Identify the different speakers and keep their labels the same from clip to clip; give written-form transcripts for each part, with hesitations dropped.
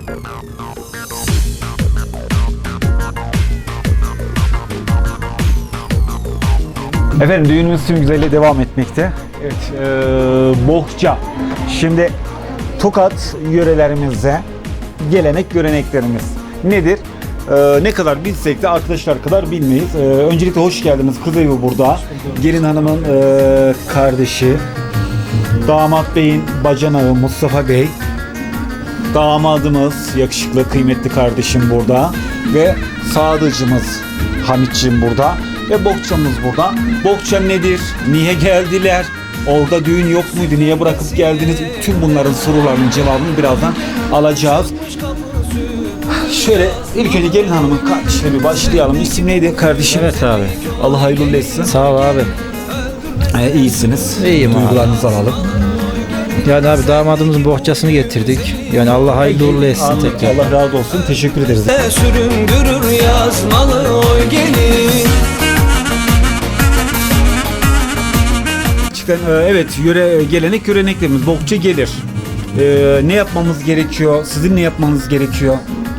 Speaker 1: Efendim düğünümüz tüm güzelliğe devam etmekte. Evet, bohça. Şimdi Tokat yörelerimize gelenek göreneklerimiz nedir? Ne kadar bilsek de arkadaşlar kadar bilmeyiz. Öncelikle hoş geldiniz. Kız evi burada. Gelin hanımın kardeşi. Damat beyin bacanağı Mustafa Bey. Damadımız yakışıklı kıymetli kardeşim burada. Ve sadıcımız Hamitciğim burada. Ve bohçamız burada. Bohça nedir? Niye geldiler? Orada düğün yok muydu? Niye bırakıp geldiniz? Tüm bunların sorularının cevabını birazdan alacağız. Şöyle ilk önce gelin hanımın kardeşine bir başlayalım. İsim neydi kardeşim?
Speaker 2: Evet abi.
Speaker 1: Allah hayırlı etsin.
Speaker 2: Sağ ol abi.
Speaker 1: İyisiniz.
Speaker 2: İyiyim abi.
Speaker 1: Duygularınızı alalım.
Speaker 2: Yani abi damadımızın bohçasını getirdik. Yani Allah hayırlı uğurlu etsin
Speaker 1: Anladım.
Speaker 2: tekrar.
Speaker 1: Allah razı olsun. Teşekkür ederiz.
Speaker 3: Süründürür yazmalı oy gelin.
Speaker 1: Evet, gelenek göreneklerimiz bohça gelir. Ne yapmamız gerekiyor? Sizin ne yapmanız gerekiyor?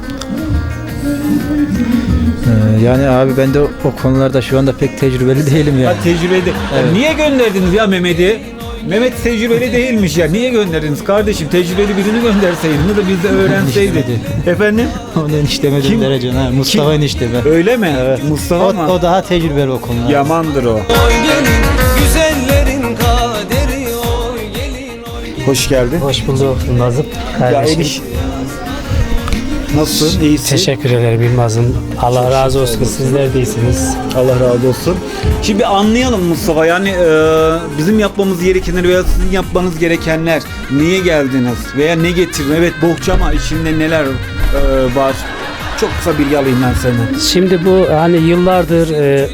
Speaker 2: Yani abi ben de o konularda şu anda pek tecrübeli değilim yani.
Speaker 1: Tecrübeli.
Speaker 2: Evet.
Speaker 1: Niye gönderdiniz ya Mehmet'i? Mehmet tecrübeli değilmiş ya. Niye gönderdiniz kardeşim? Tecrübeli birini gönderseydiniz de biz de öğrenseydik. Efendim?
Speaker 2: Onu enişteme
Speaker 1: Kim?
Speaker 2: derecen ha. Mustafa enişteme.
Speaker 1: Öyle mi? Evet. Mustafa mı?
Speaker 2: O daha tecrübeli o konularda.
Speaker 1: Yamandır o.
Speaker 3: Oy gelin güzellerin kaderi oy gelin oy.
Speaker 1: Hoş geldin.
Speaker 4: Hoş bulduk Yılmaz'ım.
Speaker 1: Ya
Speaker 4: Kardeşim.
Speaker 1: Eliş. Nasılsın? İyisin?
Speaker 4: Teşekkür ederim Yılmaz'ım. Allah razı olsun. Sizler de iyisiniz.
Speaker 1: Allah razı olsun. Şimdi anlayalım Mustafa, yani bizim yapmamız gerekenler veya sizin yapmanız gerekenler, niye geldiniz veya ne getirdin? Evet, bohça ama içinde neler var? Çok kısa bilgi alayım ben senden.
Speaker 4: Şimdi bu hani yıllardır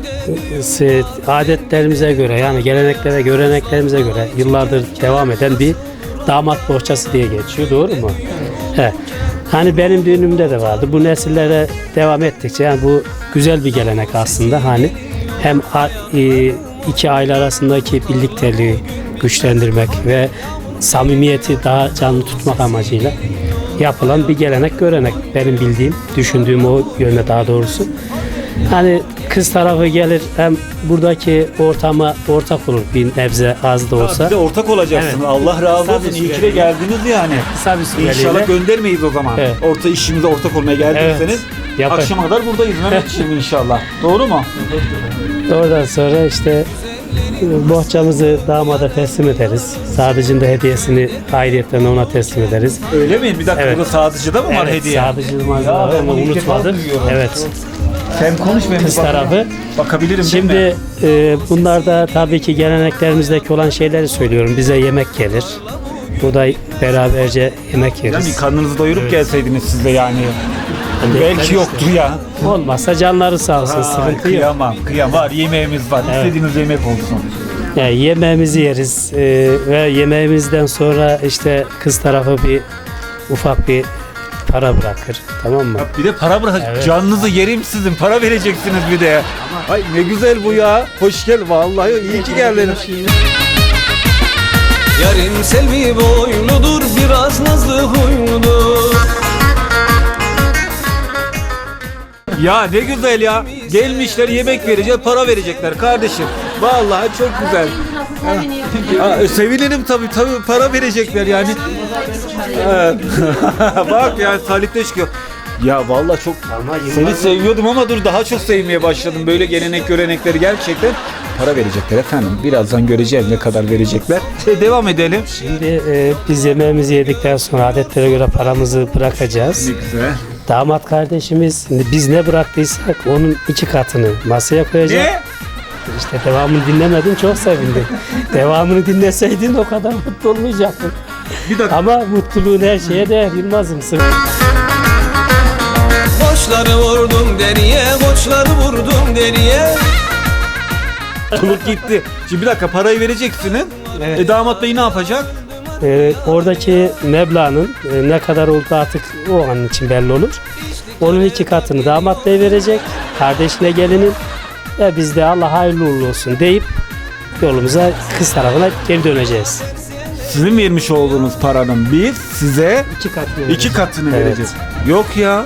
Speaker 4: adetlerimize göre, yani geleneklere, göreneklerimize göre yıllardır devam eden bir damat bohçası diye geçiyor. Doğru mu? Evet. Hani benim düğünümde de vardı. Bu nesillere devam ettikçe yani bu güzel bir gelenek aslında. Hani hem iki aile arasındaki birlikteliği güçlendirmek ve samimiyeti daha canlı tutmak amacıyla yapılan bir gelenek görenek. Benim bildiğim, düşündüğüm o yönde daha doğrusu. Hani kız tarafı gelir, hem buradaki ortama ortak olur bir nebze az da olsa.
Speaker 1: Bize ortak olacaksınız.
Speaker 4: Evet.
Speaker 1: Allah razı
Speaker 4: Kısa
Speaker 1: olsun.
Speaker 4: bir
Speaker 1: İyi ki de
Speaker 4: süreliğine.
Speaker 1: geldiniz yani.
Speaker 4: Kısa bir süreliğine.
Speaker 1: İnşallah göndermeyiz o zaman.
Speaker 4: Evet.
Speaker 1: İşimize ortak olmaya geldiyseniz.
Speaker 4: Evet. Yapar.
Speaker 1: Akşama kadar buradayız Mehmetciğim inşallah. Doğru mu?
Speaker 4: Oradan sonra işte bohçamızı damada teslim ederiz. Sadıcının da hediyesini ayrıyetten ona teslim ederiz.
Speaker 1: Öyle mi? Bir dakika,
Speaker 4: Evet.
Speaker 1: burada sadıcıda mı var
Speaker 4: Evet,
Speaker 1: hediye?
Speaker 4: Sadıcının
Speaker 1: Ya ben
Speaker 4: malzemelerini
Speaker 1: bunu ilk defa
Speaker 4: unutmadım.
Speaker 1: duyuyorum.
Speaker 4: Evet.
Speaker 1: Sen konuş, ben
Speaker 4: Kız
Speaker 1: bir bakayım.
Speaker 4: tarafı.
Speaker 1: Bakabilirim değil mi?
Speaker 4: Şimdi bunlar da tabii ki geleneklerimizdeki olan şeyleri söylüyorum. Bize yemek gelir. Burada beraberce yemek
Speaker 1: Yani
Speaker 4: yeriz.
Speaker 1: karnınızı doyurup
Speaker 4: Evet.
Speaker 1: gelseydiniz siz de yani.
Speaker 4: Hani
Speaker 1: Belki
Speaker 4: işte.
Speaker 1: yoktur ya.
Speaker 4: Olmazsa canları sağ olsun. Sıkıntı yok.
Speaker 1: Kıyamam. Var, yemeğimiz var.
Speaker 4: Evet.
Speaker 1: İstediğiniz yemek olsun.
Speaker 4: Yani yemeğimizi yeriz ve yemeğimizden sonra işte kız tarafı ufak bir para bırakır. Tamam mı?
Speaker 1: Bir de para bırak.
Speaker 4: Evet.
Speaker 1: Canınızı yerim sizin. Para vereceksiniz bir de. Ay ne güzel bu ya. Hoş gel. Vallahi iyi ki geldin.
Speaker 3: Yarın selvi boyludur biraz nazlı huyludur.
Speaker 1: Ya ne güzel ya. Gelmişler, yemek vereceğiz, para verecekler kardeşim. Vallahi çok güzel. Sevinirim tabii para verecekler yani. Evet. Bak yani talipte çıkıyor. Ya vallahi çok seni seviyordum ama dur daha çok sevmeye başladım. Böyle gelenek görenekleri gerçekten para verecekler efendim. Birazdan göreceğiz ne kadar verecekler. Devam edelim.
Speaker 4: Şimdi biz yemeğimizi yedikten sonra adetlere göre paramızı bırakacağız.
Speaker 1: Ne güzel.
Speaker 4: Damat kardeşimiz biz ne bıraktıysak onun 2 katını masaya koyacak.
Speaker 1: Ne?
Speaker 4: İşte devamını dinlemedin, çok sevindim. Devamını dinleseydin o kadar mutlu olmayacaktın.
Speaker 1: Bir dakika.
Speaker 4: Ama mutluluğun her şeye değer Yılmaz'ım.
Speaker 3: Koçları vurdum deriye, koçları vurdum deriye.
Speaker 1: Çoluk gitti. Şimdi bir dakika parayı vereceksiniz.
Speaker 4: Evet.
Speaker 1: Damat bey ne yapacak?
Speaker 4: Oradaki meblağın ne kadar olduğu artık o an için belli olur. Onun 2 katını damat bey verecek, kardeşine gelinin ve biz de Allah hayırlı uğurlu olsun deyip yolumuza kız tarafına geri döneceğiz.
Speaker 1: Sizin vermiş olduğunuz paranın biz size
Speaker 4: 2 katını
Speaker 1: 2 katını
Speaker 4: Evet.
Speaker 1: vereceğiz. Yok ya.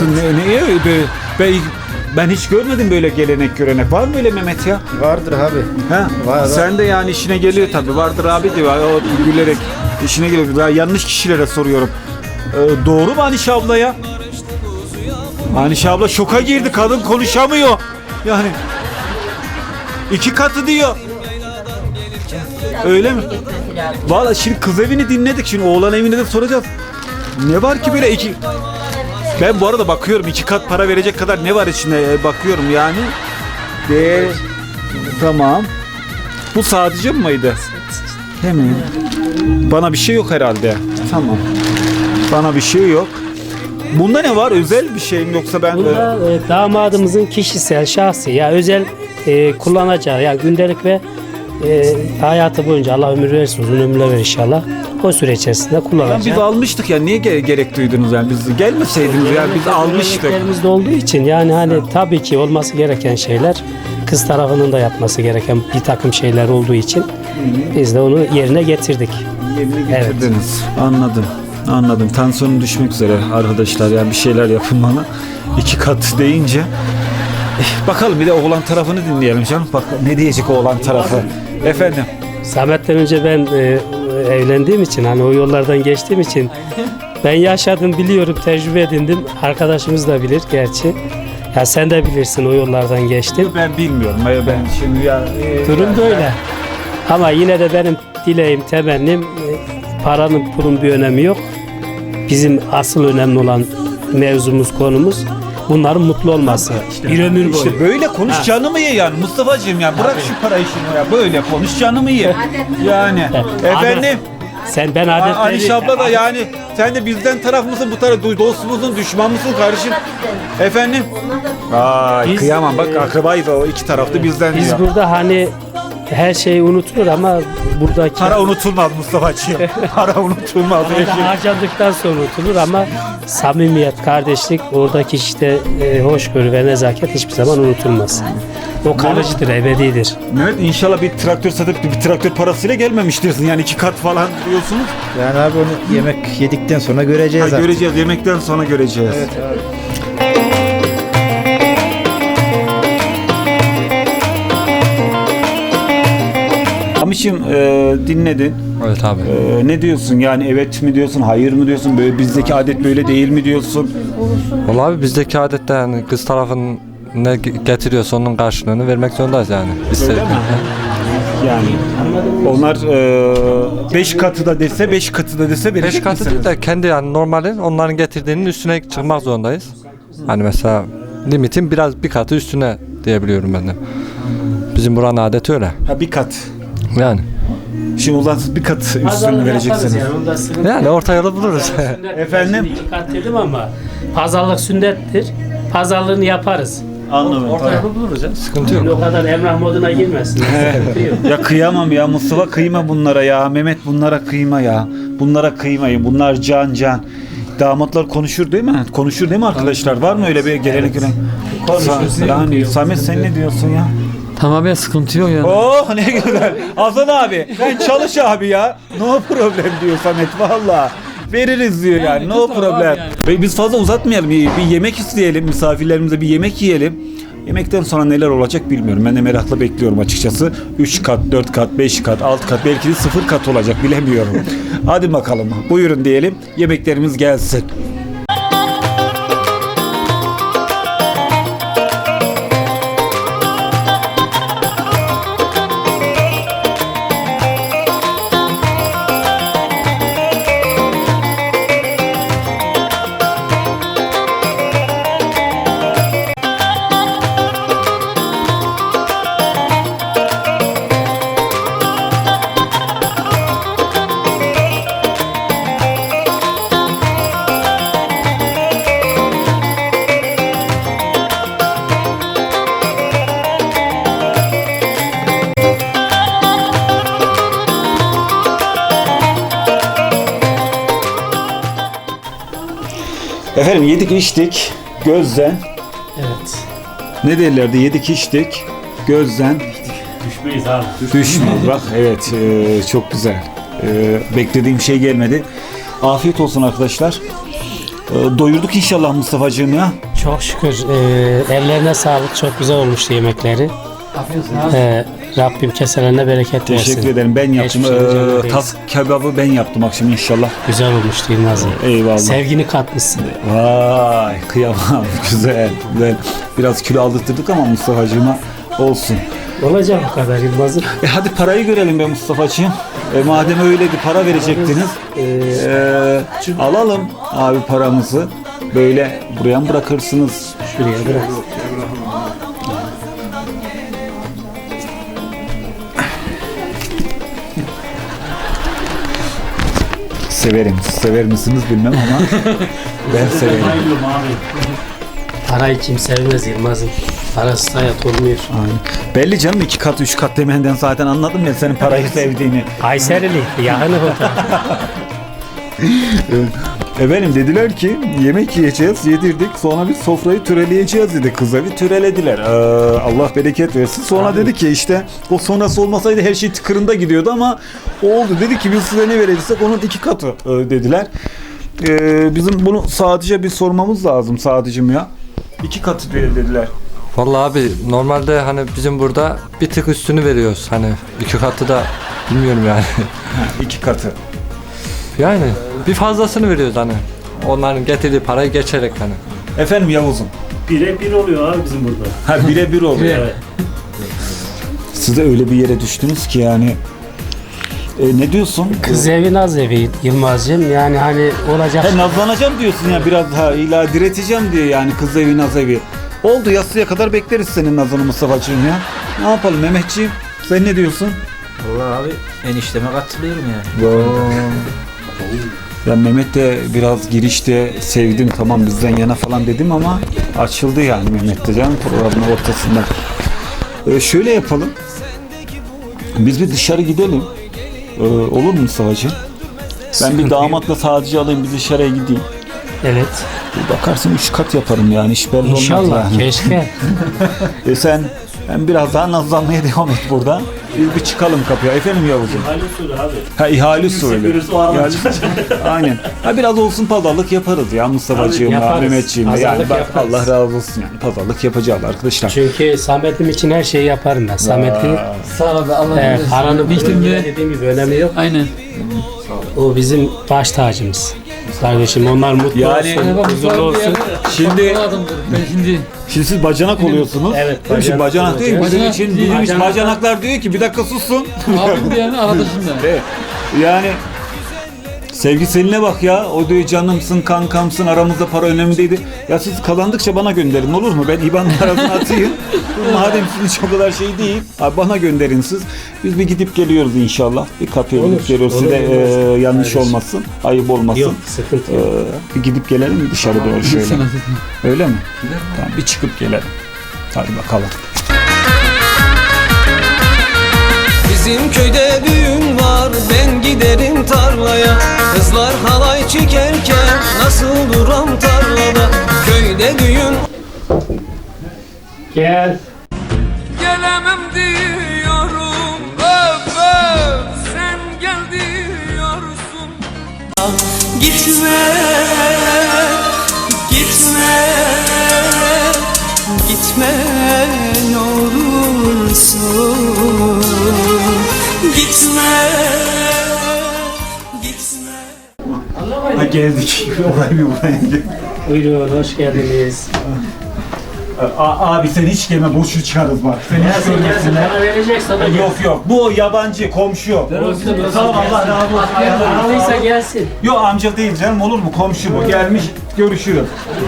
Speaker 1: Ben hiç görmedim böyle gelenek görenek. Var mı öyle Mehmet ya?
Speaker 2: Vardır abi.
Speaker 1: Ha?
Speaker 2: Var.
Speaker 1: Sen de yani işine geliyor tabii. Vardır abi diyor. O gülerek işine geliyor. Ben yanlış kişilere soruyorum. Doğru mu Anişe abla ya? Anişe abla şoka girdi. Kadın konuşamıyor. Yani 2 katı diyor. Öyle mi? Valla şimdi kız evini dinledik. Şimdi oğlan evini de soracağız. Ne var ki böyle iki... Ben bu arada bakıyorum 2 kat para verecek kadar ne var içinde bakıyorum yani. Tamam. Bu sadece mıydı? Değil mi? Bana bir şey yok herhalde. Tamam. Bana bir şey yok. Bunda ne var? Özel bir şey mi yoksa ben...
Speaker 4: Bunda damadımızın kişisel, şahsi ya özel kullanacağı yani gündelik ve hayatı boyunca Allah ömür verirsin, uzun ömürler ver inşallah. O süre içerisinde kullanacağı.
Speaker 1: Biz almıştık ya niye gerek duydunuz yani biz gelmeseydiniz yani biz almıştık.
Speaker 4: Geleneklerimizde olduğu için yani hani tabii ki olması gereken şeyler kız tarafının da yapması gereken bir takım şeyler olduğu için biz de onu yerine getirdik.
Speaker 1: Yerine getirdiniz. Anladım. Tansiyonum düşmek üzere arkadaşlar yani bir şeyler yapın bana. 2 kat deyince. Bakalım bir de oğlan tarafını dinleyelim canım. Bak ne diyecek oğlan tarafı. Efendim.
Speaker 4: Samet'ten önce ben evlendiğim için hani o yollardan geçtiğim için ben yaşadım, biliyorum, tecrübe edindim. Arkadaşımız da bilir gerçi. Ya sen de bilirsin o yollardan geçtim.
Speaker 1: Ben bilmiyorum. Ben şimdi ya...
Speaker 4: Durum böyle. Ama yine de benim dileğim, temennim paranın pulun bir önemi yok. Bizim asıl önemli olan mevzumuz, konumuz bunların mutlu olması. Bir ömür boyu.
Speaker 1: İşte böyle konuş canımı ye yani Mustafa'cığım ya bırak şu para işini ya böyle konuş canımı ye. Yani efendim
Speaker 4: Ben adetleri...
Speaker 1: Anişe abla da yani sen de bizden taraf mısın bu taraf dostumuzun düşman mısın kardeşim? Efendim? Ay
Speaker 4: Biz-
Speaker 1: kıyamam bak akrabayız o iki tarafta bizden
Speaker 4: Biz
Speaker 1: diyor.
Speaker 4: burada hani her şey unutulur ama buradaki
Speaker 1: Para unutulmaz Mustafa'cığım. Para unutulmaz.
Speaker 4: orada harcadıktan sonra unutulur ama samimiyet, kardeşlik, oradaki işte hoşgörü ve nezaket hiçbir zaman unutulmaz. O kalıcıdır, ebedidir.
Speaker 1: Evet inşallah bir traktör satıp bir traktör parasıyla gelmemiş diyorsun yani 2 kat falan diyorsunuz.
Speaker 2: Yani abi onu yemek yedikten sonra göreceğiz artık.
Speaker 1: Göreceğiz yemekten sonra göreceğiz.
Speaker 2: Evet abi.
Speaker 1: Amişim dinledin.
Speaker 5: Evet abi.
Speaker 1: Ne diyorsun yani evet mi diyorsun hayır mı diyorsun böyle bizdeki adet böyle değil mi diyorsun?
Speaker 5: Vallahi abi bizdeki adette yani kız tarafın ne getiriyorsa onun karşılığını vermek zorundayız yani. İstedik.
Speaker 1: Yani onlar 5 katı da dese 5 katı da dese
Speaker 5: 5
Speaker 1: verecek
Speaker 5: katı
Speaker 1: misiniz?
Speaker 5: değil de kendi yani normalin onların getirdiğinin üstüne çıkmak zorundayız. Hani mesela limitin biraz bir katı üstüne diyebiliyorum ben de. Bizim buranın adeti öyle.
Speaker 1: Ha bir kat.
Speaker 5: Yani.
Speaker 1: Şimdi o zaman siz bir kat üstünü vereceksiniz.
Speaker 5: Yani orta yolu buluruz.
Speaker 1: Efendim?
Speaker 4: 2 kat dedim ama pazarlık sünnettir. Pazarlığını yaparız.
Speaker 1: Anladım.
Speaker 5: Orta yolu buluruz ya. Sıkıntı
Speaker 4: Şimdi
Speaker 5: yok.
Speaker 4: o kadar emrah moduna girmesin. Sıkıntı yok.
Speaker 1: Ya kıyamam ya Mustafa kıyma bunlara ya. Mehmet bunlara kıyma ya. Bunlara kıymayın. Bunlar can. Damatlar konuşur değil mi? Konuşur değil mi arkadaşlar? Var mı öyle bir gelenek gören? Yani Samet sen ne diyorsun ya?
Speaker 6: Tamamen sıkıntı yok yani.
Speaker 1: Oh ne güzel. Hasan abi sen çalış abi ya. No problem diyor Samet valla. Veririz diyor yani no problem. Ve biz fazla uzatmayalım. Bir yemek isteyelim. Misafirlerimize bir yemek yiyelim. Yemekten sonra neler olacak bilmiyorum. Ben de merakla bekliyorum açıkçası. 3 kat, 4 kat, 5 kat, 6 kat belki de 0 kat olacak bilemiyorum. Hadi bakalım. Buyurun diyelim. Yemeklerimiz gelsin. Efendim yedik içtik gözden.
Speaker 4: Evet.
Speaker 1: Ne derlerdi? Yedik içtik gözden.
Speaker 4: Düşmeyiz abi.
Speaker 1: Düşmez bak evet çok güzel. Beklediğim şey gelmedi. Afiyet olsun arkadaşlar. Doyurduk inşallah Mustafa'cığım ya.
Speaker 4: Çok şükür ellerine sağlık. Çok güzel olmuştu yemekleri. Rabbim keselerine bereket versin.
Speaker 1: Teşekkür ederim. Ben yaptım.
Speaker 4: Geçmiş olsun.
Speaker 1: Tas kebabı ben yaptım akşam inşallah.
Speaker 4: Güzel olmuştu Yılmaz'ım.
Speaker 1: Eyvallah.
Speaker 4: Sevgini katmışsın.
Speaker 1: Vay kıyamam. Güzel. Biraz kilo aldırttık ama Mustafa'cığıma olsun.
Speaker 4: Olacak bu kadar Yılmaz'ım.
Speaker 1: Hadi parayı görelim be Mustafa'cığım. Madem öyleydi para verecektiniz. Alalım abi paramızı. Böyle buraya mı bırakırsınız?
Speaker 4: Şuraya bırak.
Speaker 1: Severim. Sever misiniz bilmem ama ben severim.
Speaker 4: Parayı kim sevmez Yılmaz'ım. Parasız hayat olmuyor.
Speaker 1: Aynen. Belli canım 2 kat 3 kat demenden zaten anladım ya senin parayı sevdiğini.
Speaker 4: Kayserili. Yakını fotoğraf.
Speaker 1: Efendim dediler ki yemek yiyeceğiz, yedirdik. Sonra bir sofrayı töreleyeceğiz dedi. Kıza bir törelediler. Allah bereket versin. Sonra dedi ki işte o sonrası olmasaydı her şey tıkırında gidiyordu ama oldu. Dedi ki biz size ne vereceksek onun 2 katı dediler. Bizim bunu sadece bir sormamız lazım Sadıcığım ya. 2 katı dediler.
Speaker 5: Vallahi abi normalde hani bizim burada bir tık üstünü veriyoruz. Hani 2 katı da bilmiyorum yani.
Speaker 1: 2 katı.
Speaker 5: Yani bir fazlasını veriyoruz hani. Onların getirdiği parayı geçerek hani.
Speaker 1: Efendim Yavuz'um.
Speaker 4: 1'e 1 oluyor abi bizim burada.
Speaker 1: Ha 1'e 1 oluyor.
Speaker 4: Evet.
Speaker 1: Siz de öyle bir yere düştünüz ki yani. Ne diyorsun?
Speaker 4: Kız evi naz evi Yılmaz'cığım. Yani hani olacak.
Speaker 1: He nazlanacağım diyorsun ya biraz daha illa direteceğim diye yani kız evi naz evi. Oldu yastıya kadar bekleriz senin nazını Mustafa'cığım ya. Ne yapalım Mehmetciğim? Sen ne diyorsun?
Speaker 2: Vallahi abi enişteme katılıyorum yani.
Speaker 1: Ya Mehmet de biraz girişte sevdim tamam bizden yana falan dedim ama açıldı yani Mehmet de canım programın ortasında. Şöyle yapalım. Biz bir dışarı gidelim. Olur mu Mustafa'cığım? Ben bir damatla sadece alayım bir dışarıya gideyim.
Speaker 4: Evet.
Speaker 1: Bakarsın 3 kat yaparım yani iş belli olmaz
Speaker 4: İnşallah.
Speaker 1: yani.
Speaker 4: Keşke.
Speaker 1: Sen biraz daha nazlanmaya devam et burada. Biz bir çıkalım kapıya. Efendim Yavuz'um.
Speaker 4: İhale usulü abi.
Speaker 1: Ha ihale usulü. Aynen. Ha biraz olsun pazarlık yaparız ya Mustafa'cığımla,
Speaker 4: yaparız.
Speaker 1: Mehmetciğimle. Yani
Speaker 4: Pazarlık
Speaker 1: bak
Speaker 4: yaparız.
Speaker 1: Allah razı olsun yani. Pazarlık yapacağız arkadaşlar.
Speaker 4: Çünkü Samet'im için her şeyi yaparım ben. Samet'i
Speaker 6: Sağ ol abi Allah razı olsun.
Speaker 4: paranın
Speaker 6: Biçtim
Speaker 4: yine
Speaker 6: de.
Speaker 4: dediğim gibi önemi yok.
Speaker 6: Aynen.
Speaker 4: O bizim baş tacımız. Kardeşim onlar mutlu
Speaker 1: Yani-
Speaker 4: olsun, huzurlu olsun.
Speaker 1: Şimdi
Speaker 6: Ben şimdi
Speaker 1: Şimdi siz bacanak oluyorsunuz.
Speaker 4: Evet,
Speaker 1: Değil mi? Şimdi
Speaker 4: bacanak
Speaker 1: bacanak değil mi?
Speaker 4: olacağız.
Speaker 1: Bizim için
Speaker 6: Bacanak
Speaker 1: bilmiş
Speaker 4: değil.
Speaker 1: bacanaklar diyor ki bir dakika sussun.
Speaker 6: abim diyen arkadaşım da.
Speaker 1: Evet. Yani sevgi seninle bak ya. O diyor canımsın, kankamsın, aramızda para önemli değildi. Ya siz kazandıkça bana gönderin olur mu? Ben IBAN parasını atayım. Madem sizin için o kadar şey değil, abi bana gönderin siz. Biz bir gidip geliyoruz inşallah. Bir kapıya
Speaker 4: Olur,
Speaker 1: gidip geliyoruz.
Speaker 4: olur,
Speaker 1: Size
Speaker 4: olur.
Speaker 1: yanlış
Speaker 4: Kardeşim.
Speaker 1: olmasın, ayıp olmasın.
Speaker 4: Yok sıkıntı yok.
Speaker 1: Bir gidip gelelim mi dışarı doğru şöyle?
Speaker 6: Sana dedim.
Speaker 1: Öyle mi? Tamam bir çıkıp gelelim. Hadi bakalım.
Speaker 3: Bizim köyde düğün var, ben giderim tarlaya. Kızlar halay çekerken nasıl duram tarlada. Köyde düğün.
Speaker 4: Gel.
Speaker 3: Gelemem diyorum, öp öp, sen gel diyorsun. Gitme, gitme, gitme ne olursun. Gitme, gitme.
Speaker 1: Ha geldik. Orayı bir buraya gel.
Speaker 4: Buyurun hoş geldiniz.
Speaker 1: Abi sen hiç gelme boşu çıkarız bak. Sen hiç
Speaker 4: Gelsin gelsin
Speaker 1: görmesinler.
Speaker 4: bana verecek sana.
Speaker 1: Yok yok bu yabancı komşu. Sağ ol Allah razı olsun.
Speaker 4: Alıysa gelsin.
Speaker 1: Yok amca değil canım olur mu komşu bu gelmiş görüşürüz.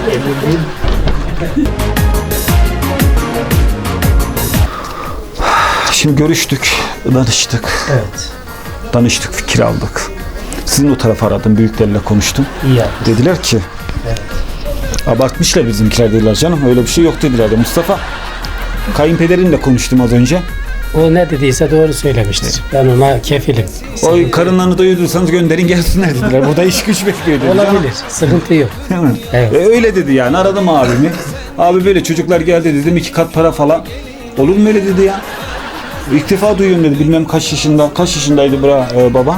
Speaker 1: Şimdi görüştük, danıştık.
Speaker 4: Evet.
Speaker 1: Danıştık, fikir aldık. Sizin o tarafa aradım, büyüklerle konuştum.
Speaker 4: İyi yaptın.
Speaker 1: Dediler ki, abartmışlar bizimkiler dediler canım, öyle bir şey yok dediler de Mustafa. Kayınpederinle konuştum az önce.
Speaker 4: O ne dediyse doğru söylemiştir. Ben ona kefilim.
Speaker 1: O karınlarını doyurduysanız gönderin gelsinler dediler. Burada iş güç bekliyor dedi.
Speaker 4: Olabilir. Sıkıntı yok.
Speaker 1: Değil mi?
Speaker 4: Evet.
Speaker 1: Öyle dedi yani aradım abimi. Abi böyle çocuklar geldi dedim 2 kat para falan. Olur mu öyle dedi ya. İlk defa duyuyorum dedi bilmem kaç yaşında. Kaç yaşındaydı babam?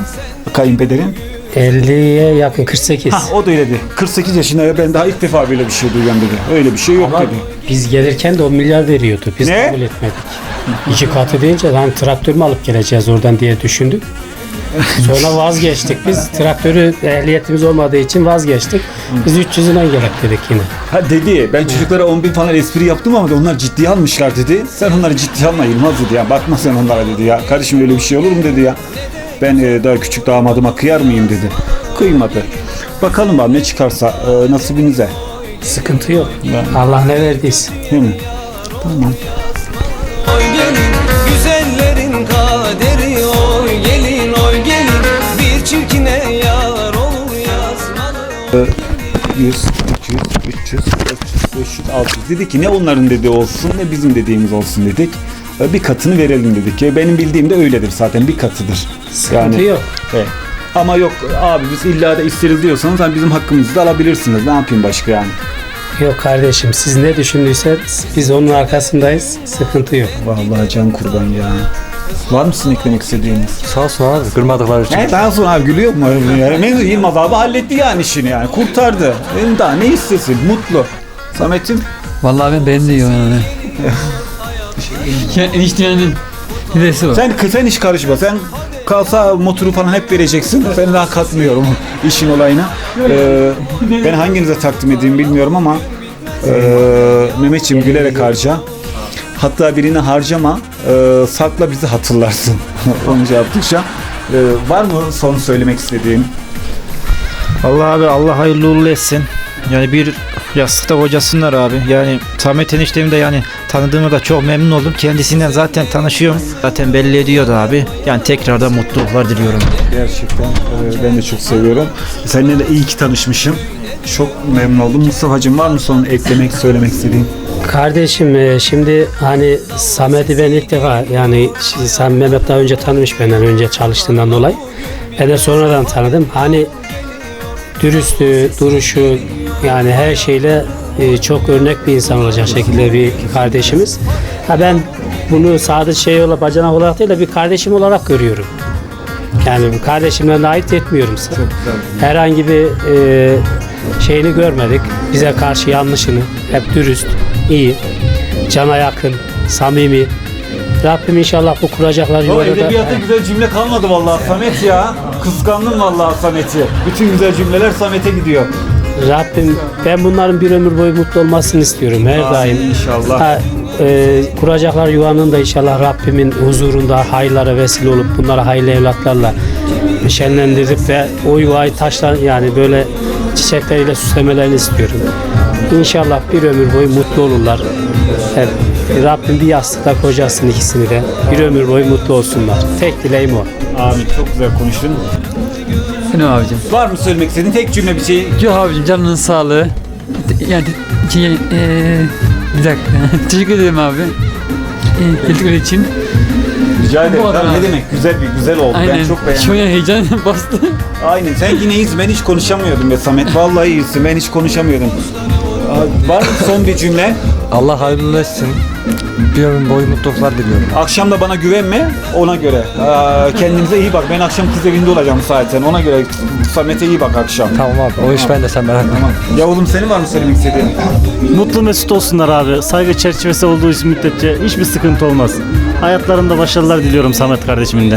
Speaker 1: Kayınpederin.
Speaker 4: 50'ye yakın 48.
Speaker 1: Ha o da öyle dedi. 48 yaşında ya ben daha ilk defa böyle bir şey duyuyorum dedi. Öyle bir şey yok
Speaker 4: Ama
Speaker 1: dedi.
Speaker 4: biz gelirken de 10 milyar veriyordu. Biz
Speaker 1: Ne?
Speaker 4: kabul etmedik. 2 katı deyince lan traktör mü alıp geleceğiz oradan diye düşündük. Sonra vazgeçtik. Biz traktörü ehliyetimiz olmadığı için vazgeçtik. Biz 300'ünden gerek dedik yine.
Speaker 1: Ha dedi ben çocuklara 10 bin falan espri yaptım ama onlar ciddiye almışlar dedi. Sen onları ciddiye alma Yılmaz dedi ya. Bakma sen onlara dedi ya. Kardeşim öyle bir şey olur mu dedi ya. Ben daha küçük damadıma kıyar mıyım dedi. Kıymadı. Bakalım abi ne çıkarsa nasibinize.
Speaker 4: Sıkıntı yok. Allah ne verdiyse.
Speaker 1: Değil mi? Tamam.
Speaker 3: Oy gelin güzellerin kaderi oy gelin oy gelin bir çirkine yar olur yazmalı.
Speaker 1: 100, 200, 300, 400, 500, 600 dedi ki ne onların dediği olsun ne bizim dediğimiz olsun dedik. Bir katını verelim dedik. Benim bildiğim de öyledir zaten bir katıdır.
Speaker 4: Sıkıntı yok.
Speaker 1: Evet. Ama yok abi biz illa da isteriz diyorsanız hani bizim hakkımızı da alabilirsiniz. Ne yapayım başka yani?
Speaker 4: Yok kardeşim siz ne düşündüyseniz biz onun arkasındayız. Sıkıntı yok.
Speaker 1: Vallahi can kurban ya. Var mısın eklemek istediğiniz?
Speaker 5: Sağ olsun abi kırmadıkları için.
Speaker 1: Daha sonra abi gülüyor mu? Yani Yılmaz abi halletti yani işini yani. Kurtardı. Benim daha ne istesin? Mutlu. Samet'im?
Speaker 6: Vallahi ben beğendim yani. Yani eniştemin dedesi var.
Speaker 1: Sen hiç karışma. Sen kalsa motoru falan hep vereceksin. Ben daha katmıyorum işin olayına. Ben hanginize takdim edeyim bilmiyorum ama Mehmetciğim gülerek harca. Hatta birini harcama, sakla bizi hatırlarsın. Onu yaptıkça. Var mı son söylemek istediğin?
Speaker 2: Allah abi Allah hayırlı uğurlu etsin. Yani bir yastıkta kocasınlar abi. Yani Samet eniştemi de yani tanıdığıma da çok memnun oldum. Kendisinden zaten tanışıyorum. Zaten belli ediyordu abi. Yani tekrardan mutluluklar diliyorum.
Speaker 1: Gerçekten ben de çok seviyorum. Seninle de iyi ki tanışmışım. Çok memnun oldum. Mustafa'cığım var mı son eklemek, söylemek istediğin?
Speaker 4: Kardeşim şimdi hani Samet'i ben ilk defa yani sen Mehmet daha önce tanımış benden önce çalıştığından dolayı. Ben de sonradan tanıdım. Hani dürüstlüğü, duruşu yani her şeyle çok örnek bir insan olacak şekilde bir kardeşimiz. Ha ben bunu sadece bacanak olarak değil de bir kardeşim olarak görüyorum. Yani bir kardeşimden de ayırt etmiyorum. Herhangi bir şeyini görmedik. Bize karşı yanlışını. Hep dürüst, iyi, cana yakın, samimi. Rabbim inşallah bu kuracaklar
Speaker 1: O
Speaker 4: yolda da...
Speaker 1: edebiyatta güzel cümle kalmadı vallahi Samet ya. Kıskandım vallahi Samet'i. Bütün güzel cümleler Samet'e gidiyor.
Speaker 4: Rabbim ben bunların bir ömür boyu mutlu olmasını istiyorum her
Speaker 1: Amin
Speaker 4: daim.
Speaker 1: inşallah.
Speaker 4: Kuracaklar yuvanın da inşallah Rabbimin huzurunda hayırlara vesile olup bunlara hayırlı evlatlarla şenlendirip ve o yuvayı taşlar yani böyle çiçekleriyle süslemelerini istiyorum. İnşallah bir ömür boyu mutlu olurlar. Evet. Rabbim bir yastıkta kocasın ikisini de bir ömür boyu mutlu olsunlar. Tek dileğim o.
Speaker 1: Amin. Çok güzel konuştun.
Speaker 6: Benim abicim.
Speaker 1: Var mı söylemek istediğin tek cümle bir şey?
Speaker 6: Yok abicim canının sağlığı. Yani bir dakika. Teşekkür ederim abi. Geldikleri için.
Speaker 1: Rica ederim.
Speaker 6: Bu adam
Speaker 1: Tabii ne
Speaker 6: abi.
Speaker 1: demek? Güzel oldu.
Speaker 6: Aynen.
Speaker 1: Ben çok beğendim.
Speaker 6: Şu an heyecan bastı.
Speaker 1: Aynen. Sen yine iyisin. Ben hiç konuşamıyordum be Samet. Vallahi iyisin. Ben hiç konuşamıyordum. Var mı son bir cümle?
Speaker 5: Allah hayırlı etsin. Bir ömür boyu mutluluklar diliyorum.
Speaker 1: Akşam da bana güvenme. Ona göre. Kendinize iyi bak. Ben akşam kız evinde olacağım zaten. Ona göre Samet'e iyi bak akşam.
Speaker 5: Tamam abi o iş bende sen merak etme.
Speaker 1: Ya oğlum senin var mı söylemek istediğin?
Speaker 7: Mutlu mesut olsunlar abi. Saygı çerçevesi olduğu için müddetçe hiçbir sıkıntı olmaz. Hayatlarında başarılar diliyorum Samet kardeşimin de.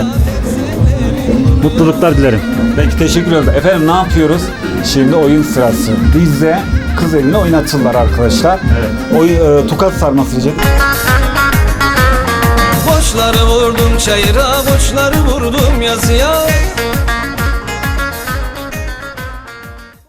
Speaker 7: Mutluluklar dilerim.
Speaker 1: Peki teşekkür ederim. Efendim ne yapıyoruz? Şimdi oyun sırası. Bizde kız evine oynatırlar arkadaşlar. Evet. Tokat sarması diyecek.
Speaker 3: Boşları vurdum çayıra boşları vurdum yazıya